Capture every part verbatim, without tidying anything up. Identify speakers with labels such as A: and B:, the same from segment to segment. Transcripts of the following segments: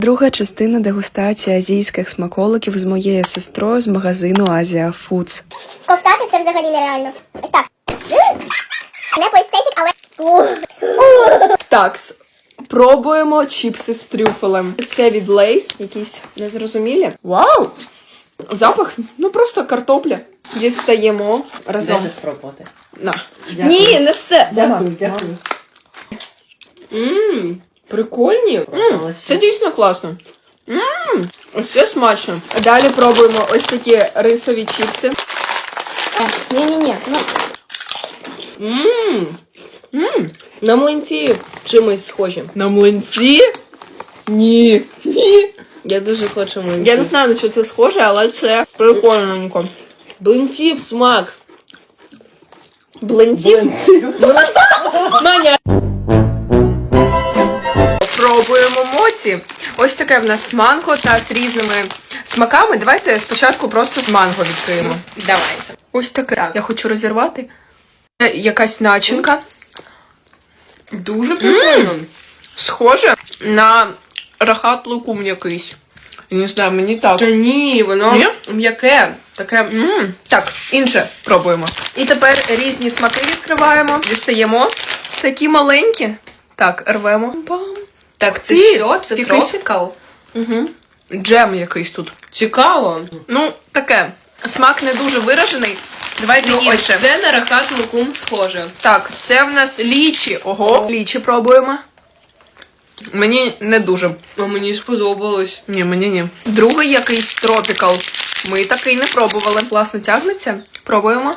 A: Друга частина дегустації азійських смаколиків з моєю сестрою з магазину Азія Фудс.
B: Ковтати це взагалі нереально. Ось так. Не по естетик, але...
C: Так, пробуємо чіпси з трюфелем. Це від Лейс, якісь незрозумілі. Вау! Запах, ну просто картопля. Дістаємо разом.
D: Дайте спробувати.
C: На. Ні, не все.
D: Дякую, дякую.
C: Ммм, прикольні. М, це дійсно класно. Ммм, це смачно. Далі пробуємо ось такі рисові чіпси.
B: Ні-ні-ні, ну...
C: Ммм, ммм.
D: На млинці чимось схожі.
C: На млинці? Ні. Ні.
D: Я дуже хочу млинці.
C: Я не знаю, на що це схоже, але це прикольненько.
D: Блинців смак.
C: Блинців? Маня. Пробуємо моці. Ось таке в нас манго та з різними смаками. Давайте спочатку просто з манго відкриємо.
D: Давайте.
C: Ось таке. Я хочу розірвати. Це якась начинка. Дуже прикольно. Схоже на рахат лукум якийсь. Я не знаю, мені так.
D: Та ні, воно
C: Ні?
D: м'яке. Таке.
C: М, Так, інше пробуємо. І тепер різні смаки відкриваємо. Дістаємо. Такі маленькі. Так, рвемо. Бам.
D: Так, це
C: Ти-
D: що? Це
C: якийсь-
D: тропікал?
C: Угу. Джем якийсь тут.
D: Цікаво.
C: Ну, таке. Смак не дуже виражений. Давайте
D: Ну, ось
C: інше.
D: це на рахат лукум схоже.
C: Так, це в нас лічі. Ого. Лічі пробуємо. Мені не дуже.
D: А мені сподобалось.
C: Ні, мені ні. Другий якийсь тропікал. Ми такий не пробували. Класно тягнеться. Пробуємо.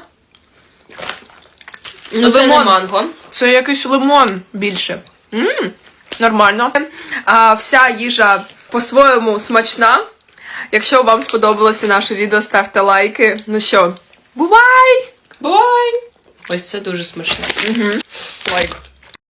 D: Ну, це не
C: Лимон.
D: манго.
C: Це якийсь лимон більше. Ммм, нормально. А, вся їжа по-своєму смачна. Якщо вам сподобалося наше відео, ставте лайки. Ну що, бувай!
D: Бай! Ось це дуже смачно.
C: Угу. Лайк.